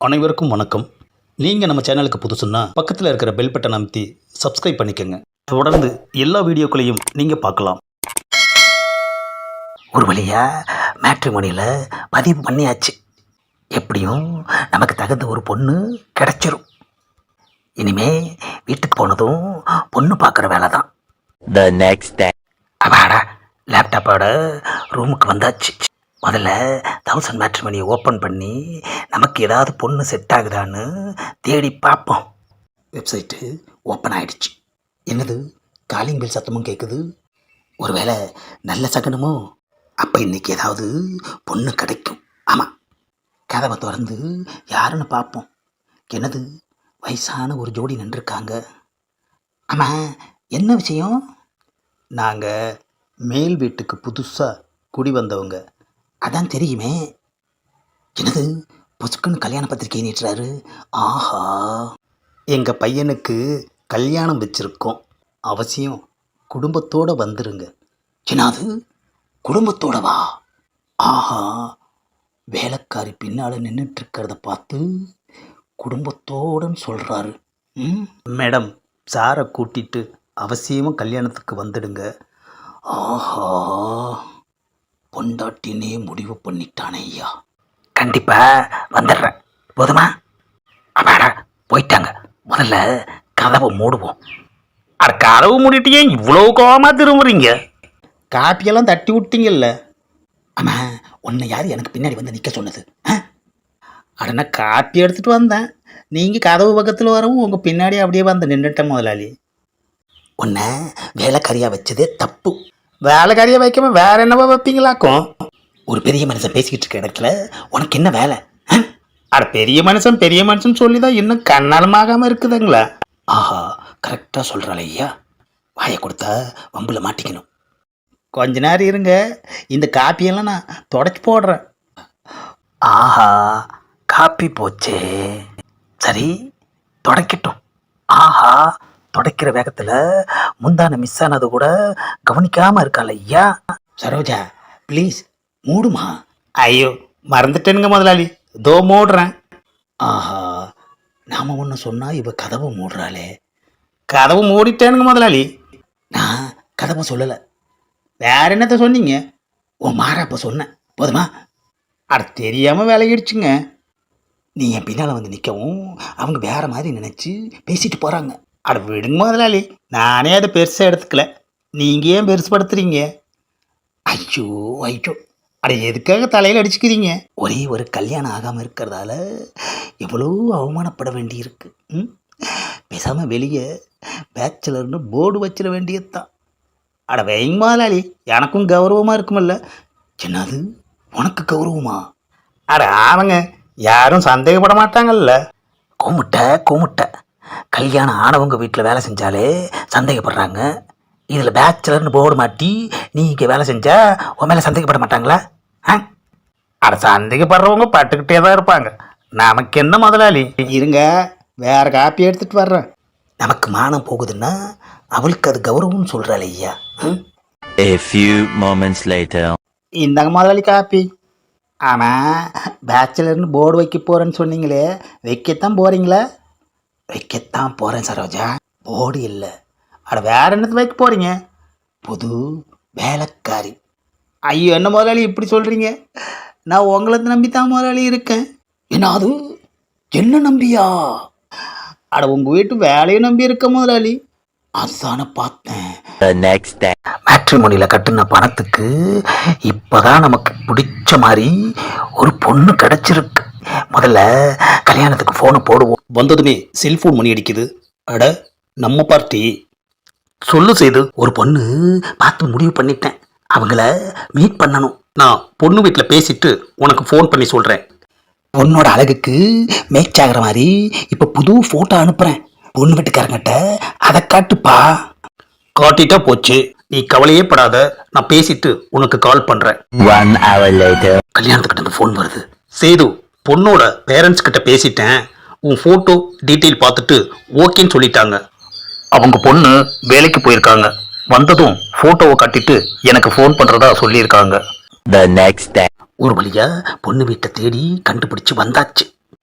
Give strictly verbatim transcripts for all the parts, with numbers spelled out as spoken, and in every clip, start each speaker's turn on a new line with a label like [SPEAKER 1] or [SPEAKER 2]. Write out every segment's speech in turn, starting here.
[SPEAKER 1] அனைவருக்கும் வணக்கம். நீங்கள் நம்ம சேனலுக்கு புதுசுன்னா பக்கத்தில் இருக்கிற பெல் பட்டன் அமைத்தி சப்ஸ்கிரைப் பண்ணிக்கோங்க. தொடர்ந்து எல்லா வீடியோக்களையும் நீங்கள் பார்க்கலாம்.
[SPEAKER 2] ஒரு வழியாக மேட்ரிமோனியில் பதிவு பண்ணியாச்சு. எப்படியும் நமக்கு தகுந்த ஒரு பொண்ணு கிடச்சிரும். இனிமே வீட்டுக்கு போனதும் பொண்ணு பார்க்குற வேலை தான்.
[SPEAKER 3] The next day.
[SPEAKER 2] அப்பாடா, லேப்டாப்போட ரூமுக்கு வந்தாச்சு. முதல்ல தௌசண்ட் மேட்ரிமோனியை ஓப்பன் பண்ணி நமக்கு ஏதாவது பொண்ணு செட் ஆகுதான்னு தேடி பார்ப்போம். வெப்சைட்டு ஓப்பன் ஆகிடுச்சு. என்னது, காலிங் பெல் சத்தமும் கேட்குது. ஒருவேளை நல்ல சகனமோ? அப்போ இன்றைக்கி ஏதாவது பொண்ணு கிடைக்கும். ஆமாம், கதவை திறந்து யாருன்னு பார்ப்போம். என்னது, வயசான ஒரு ஜோடி நின்றுருக்காங்க. ஆமாம், என்ன விஷயம்? நாங்கள் மேல் வீட்டுக்கு புதுசாக குடி வந்தவங்க. அதான் தெரியுமே. என்னது, பொசுக்குன்னு கல்யாண பத்திரிக்கை நீட்டுறாரு. ஆஹா, எங்கள் பையனுக்கு கல்யாணம் வச்சுருக்கோம், அவசியம் குடும்பத்தோடு வந்துருங்க. என்னது, குடும்பத்தோடவா? ஆஹா, வேலைக்காரி பின்னால் நின்றுட்டுருக்கிறத பார்த்து குடும்பத்தோடுன்னு சொல்கிறாரு. ம் மேடம், சாரை கூட்டிகிட்டு அவசியமாக கல்யாணத்துக்கு வந்துடுங்க. ஆஹா, பொண்டாட்டினே முடிவு பண்ணிட்டானே ஐயா. கண்டிப்பாக வந்துடுறேன். போதுமா? அப்பாடா, போயிட்டாங்க. முதல்ல கதவை மூடுவோம். அட, கதவு மூடிட்டே இவ்வளோ கோவமாக திரும்புறீங்க? காப்பியெல்லாம் தட்டி விட்டீங்கல்ல. ஆமாம், உன்னை யார் எனக்கு பின்னாடி வந்து நிற்க சொன்னது? ஆ அடனா, காப்பி எடுத்துகிட்டு வந்தேன். நீங்கள் கதவு பக்கத்தில் வரவும் உங்கள் பின்னாடி அப்படியே வந்து நின்றுட்டேன் முதலாளி. உன்னை வேலைக்காரியாக வச்சதே தப்பு. வேலைக்காரியாக வைக்காம வேற என்னவா வைப்பீங்களாக்கும்? ஒரு பெரிய மனுஷன் பேசிக்கிட்டு இருக்க இடத்துல உனக்கு என்ன வேலை? அட, பெரிய மனுஷன் பெரிய மனுஷன் சொல்லி தான் இன்னும் கண்ணாலமாகாமல் இருக்குதுங்களா? ஆஹா, கரெக்டாக சொல்கிறாள் ஐயா. வாயை கொடுத்தா வம்பில் மாட்டிக்கணும். கொஞ்ச நேரம் இருங்க, இந்த காப்பியெல்லாம் நான் தொடச்சி போடுறேன். ஆஹா, காப்பி போச்சே. சரி, தொடக்கட்டும். ஆஹா, தொடக்கிற வேகத்தில் முந்தான மிஸ் ஆனது கூட கவனிக்காமல் இருக்காள் ஐயா. சரோஜா, ப்ளீஸ் மூடுமா. ஐயோ, மறந்துட்டேனுங்க முதலாளி, தோ மூடுறேன். ஆஹா, நாம் ஒன்று சொன்னால் இவ கதவை மூடுறாளே. கதவு மூடிட்டேனுங்க முதலாளி. நான் கதவை சொல்லலை, வேற என்னத்த சொன்னீங்க? ஓ, மாறாப்ப சொன்னேன். போதுமா? அட, தெரியாமல் விலகிடுச்சுங்க. நீ என் பின்னால் வந்து நிற்கவும் அவங்க வேற மாதிரி நினச்சி பேசிட்டு போகிறாங்க. அட, விடுங்க முதலாளி, நானே அதை பெருசாக எடுத்துக்கல. நீங்கள் ஏன் பெருசுப்படுத்துறீங்க? ஐயோ ஐயோ, அட, எதுக்காக தலையில் அடிச்சுக்கிறீங்க? ஒரே ஒரு கல்யாணம் ஆகாமல் இருக்கிறதால எவ்வளோ அவமானப்பட வேண்டியிருக்கு. ம் பேசாமல் வெளியே பேச்சுலர்னு போர்டு வச்சிட வேண்டியது தான். அட, வைங்க முதலாளி, எனக்கும் கௌரவமாக இருக்குமில்ல. என்னது, உனக்கு கௌரவமா? அட ஆமாங்க, யாரும் சந்தேகப்பட மாட்டாங்கல்ல. கூமுட்டை கூமுட்டை, கல்யாணம் ஆனவங்க வீட்டில் வேலை செஞ்சாலே சந்தேகப்படுறாங்க. இதில் பேச்சுலர்னு போர்டு மாட்டி நீ இங்கே வேலை செஞ்சா உன் மேலே சந்தேகப்பட மாட்டாங்களா? ஆ அட, சந்தேகப்படுறவங்க பட்டுக்கிட்டே தான் இருப்பாங்க. நமக்கு என்ன முதலாளி? இருங்க, வேற காப்பி எடுத்துகிட்டு வர்றேன். நமக்கு மானம் போகுதுன்னா அவளுக்கு அது கௌரவம்னு சொல்கிறாள் ஐயா.
[SPEAKER 3] A few moments later.
[SPEAKER 2] இந்தாங்க முதலாளி காப்பி. ஆமாம், பேச்சுலர்னு போர்டு வைக்க போகிறேன்னு சொன்னீங்களே, வைக்கத்தான் போகிறீங்களா? வைக்கத்தான் போகிறேன் சரோஜா, போர்டு இல்லை. அட, வேற என்னத்து வைக்க போகிறீங்க? புது வேலைக்காரி. ஐயோ, என்ன முதலாளி இப்படி சொல்கிறீங்க? நான் உங்களை நம்பித்தான் முதலாளி இருக்கேன். என்ன அது, என்ன நம்பியா? அட, உங்கள் வீட்டு வேலையை நம்பி இருக்க முதலாளி. அதுதானே பார்த்தேன்.
[SPEAKER 3] The next day.
[SPEAKER 2] மேட்ரிமோனியில் கட்டுன பணத்துக்கு இப்போதான் நமக்கு பிடிச்ச மாதிரி ஒரு பொண்ணு கிடச்சிருக்கு. முதல்ல கல்யாணத்துக்கு ஃபோனை போடுவோம்.
[SPEAKER 1] வந்ததுமே செல்ஃபோன் மணி அடிக்குது. அட, நம்ம பார்ட்டி.
[SPEAKER 2] சொல்லு செய்து, ஒரு பொண்ணு பார்த்து முடிவு பண்ணிட்டேன். அவங்கள மீட் பண்ணணும்.
[SPEAKER 1] நான் பொண்ணு வீட்டில் பேசிட்டு உனக்கு ஃபோன் பண்ணி சொல்கிறேன்.
[SPEAKER 2] பொண்ணோட அழகுக்கு மேட்ச் ஆகிற மாதிரி இப்போ புது ஃபோட்டோ அனுப்புகிறேன். பொண்ணு வீட்டுக்காரங்கிட்ட அதை காட்டுப்பா.
[SPEAKER 1] காட்டிட்டா போச்சு, நீ கவலையே படாத. நான் பேசிட்டு உனக்கு கால் பண்ணுறேன்.
[SPEAKER 3] One hour later.
[SPEAKER 2] கல்யாணத்துக்கிட்ட இந்த ஃபோன் வருது.
[SPEAKER 1] சேது, பொண்ணோட பேரண்ட்ஸ் கிட்ட பேசிட்டேன். உன் ஃபோட்டோ டீட்டெயில் பார்த்துட்டு ஓகேன்னு சொல்லிட்டாங்க. அவங்க பொண்ணு வேலைக்கு போயிருக்காங்க. வந்ததும் ஃபோட்டோவை கட்டிட்டு எனக்கு ஃபோன் பண்ணுறதா சொல்லியிருக்காங்க.
[SPEAKER 3] The next day.
[SPEAKER 2] ஒரு வழியாக பொண்ணு வீட்டை தேடி கண்டுபிடிச்சி வந்தாச்சு.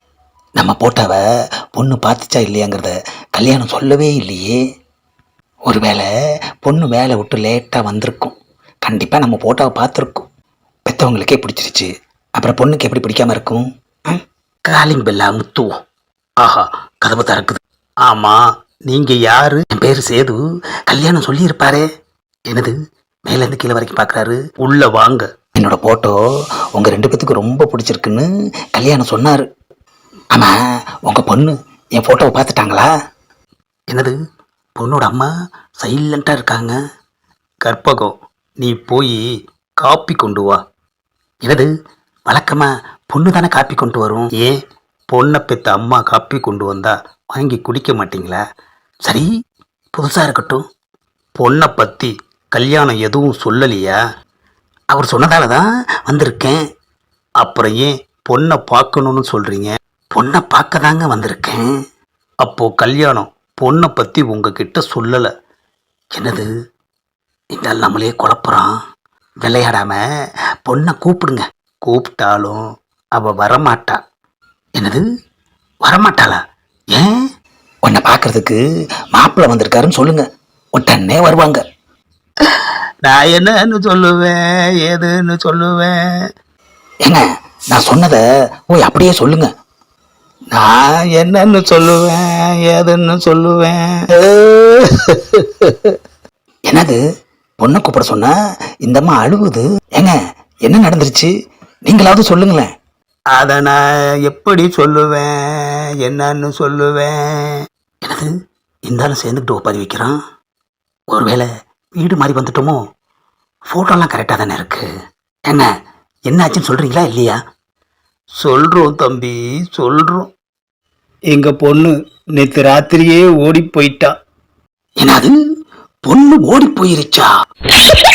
[SPEAKER 2] நம்ம போட்டோவை பொண்ணு பார்த்துச்சா இல்லையாங்கிறத கல்யாணம் சொல்லவே இல்லையே. ஒருவேளை பொண்ணு வேலை விட்டு லேட்டாக வந்திருக்கும். கண்டிப்பாக நம்ம போட்டோவை பார்த்துருக்கோம். பெற்றவங்களுக்கே பிடிச்சிருச்சு, அப்புறம் பொண்ணுக்கு எப்படி பிடிக்காம இருக்கும்? Calling Bella முத்துவோம்.
[SPEAKER 1] ஆஹா, கதவு திறக்குது. ஆமாம், நீங்கள் யாரு?
[SPEAKER 2] என் பேர் சேது. கல்யாணம் சொல்லியிருப்பாரே.
[SPEAKER 1] என்னது?
[SPEAKER 2] மேலேருந்து கீழே வரைக்கும் பார்க்குறாரு.
[SPEAKER 1] உள்ள வாங்க.
[SPEAKER 2] என்னோட ஃபோட்டோ உங்கள் ரெண்டு பேத்துக்கு ரொம்ப பிடிச்சிருக்குன்னு கல்யாணம் சொன்னார். ஆமாம், உங்கள் பொண்ணு என் ஃபோட்டோவை பார்த்துட்டாங்களா?
[SPEAKER 1] என்னது?
[SPEAKER 2] பொண்ணோட அம்மா சைலண்ட்டாக இருக்காங்க.
[SPEAKER 1] கற்பகம், நீ போய் காப்பி கொண்டு வா.
[SPEAKER 2] என்னது? வழக்கமாக பொண்ணு தானே காப்பி கொண்டு வரும்.
[SPEAKER 1] ஏன் பொண்ணை பெற்ற அம்மா காப்பி கொண்டு வந்தா வாங்கி குடிக்க மாட்டீங்களா?
[SPEAKER 2] சரி, புதுசாக இருக்கட்டும்.
[SPEAKER 1] பொண்ணை பற்றி கல்யாணம் எதுவும் சொல்லலையா?
[SPEAKER 2] அவர் சொன்னதால தான் வந்திருக்கேன்.
[SPEAKER 1] அப்புறம் ஏன் பொண்ணை பார்க்கணுன்னு சொல்கிறீங்க?
[SPEAKER 2] பொண்ணை பார்க்க தாங்க வந்திருக்கேன்.
[SPEAKER 1] அப்போது கல்யாணம் பொண்ணை பற்றி உங்ககிட்ட சொல்லலை.
[SPEAKER 2] என்னது? இந்த நம்மளே குழப்புறான். விளையாடாம பொண்ணை கூப்பிடுங்க.
[SPEAKER 1] கூப்பிட்டாலும் அவள் வரமாட்டா.
[SPEAKER 2] என்னது? வரமாட்டாளா? ஏன்? உன்னை பார்க்கறதுக்கு மாப்பிள்ளை வந்திருக்காருன்னு சொல்லுங்க, உடனே வருவாங்க.
[SPEAKER 1] நான் என்னன்னு சொல்லுவேன், ஏதுன்னு சொல்லுவேன்?
[SPEAKER 2] ஏங்க, நான் சொன்னதை ஓய் அப்படியே சொல்லுங்க.
[SPEAKER 1] நான் என்னன்னு சொல்லுவேன், ஏதுன்னு சொல்லுவேன்?
[SPEAKER 2] என்னது? பொண்ணை கூப்பிட சொன்னா இந்தம்மா அழுகுது. ஏங்க, என்ன நடந்துருச்சு? நீங்களாவது சொல்லுங்களேன்.
[SPEAKER 1] அதை நான் எப்படி சொல்லுவேன், என்னன்னு சொல்லுவேன்?
[SPEAKER 2] என்னது? இருந்தாலும் சேர்ந்துக்கிட்டு ஒப்பாரி வைக்கிறான். ஒருவேளை வீடு மாதிரி வந்துட்டோமோ? ஃபோட்டோலாம் கரெக்டாக தானே இருக்கு. என்ன என்னாச்சுன்னு சொல்கிறீங்களா இல்லையா?
[SPEAKER 1] சொல்கிறோம் தம்பி, சொல்கிறோம். எங்கள் பொண்ணு நேற்று ராத்திரியே ஓடி போயிட்டா.
[SPEAKER 2] என்னது? பொண்ணு ஓடி போயிருச்சா?